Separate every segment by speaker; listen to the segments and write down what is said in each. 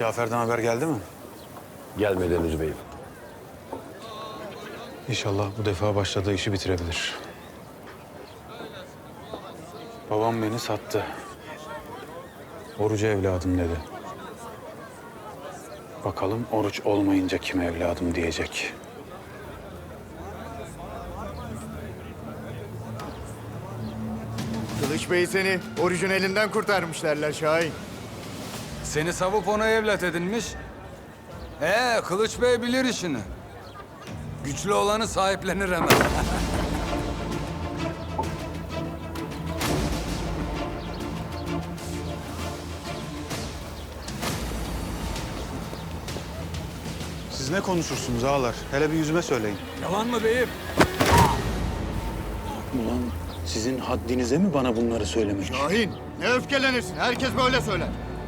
Speaker 1: Cafer'den haber geldi mi?
Speaker 2: Gelmedi henüz beyim.
Speaker 1: İnşallah bu defa başladığı işi bitirebilir. Babam beni sattı. Oruç evladım dedi. Bakalım oruç olmayınca kim evladım diyecek.
Speaker 3: Kılıç Bey seni orucun elinden kurtarmış derler Şahin.
Speaker 4: Seni savup ona evlat edinmiş. Kılıç Bey bilir işini. Güçlü olanı sahiplenir hemen.
Speaker 1: Siz ne konuşursunuz ağalar? Hele bir yüzüme söyleyin.
Speaker 4: Yalan mı beyim?
Speaker 1: Ulan sizin haddinize mi bana bunları söylemek?
Speaker 3: Şahin ne öfkelenirsin? Herkes böyle söyler.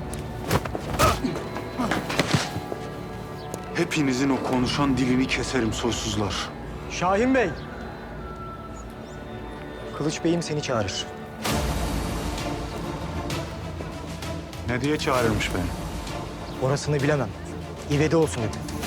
Speaker 1: Hepinizin o konuşan dilini keserim soysuzlar.
Speaker 5: Şahin Bey. Kılıç Bey'im seni çağırır.
Speaker 1: Ne diye çağırırmış beni?
Speaker 5: Orasını bilemem. İvedi olsun dedi.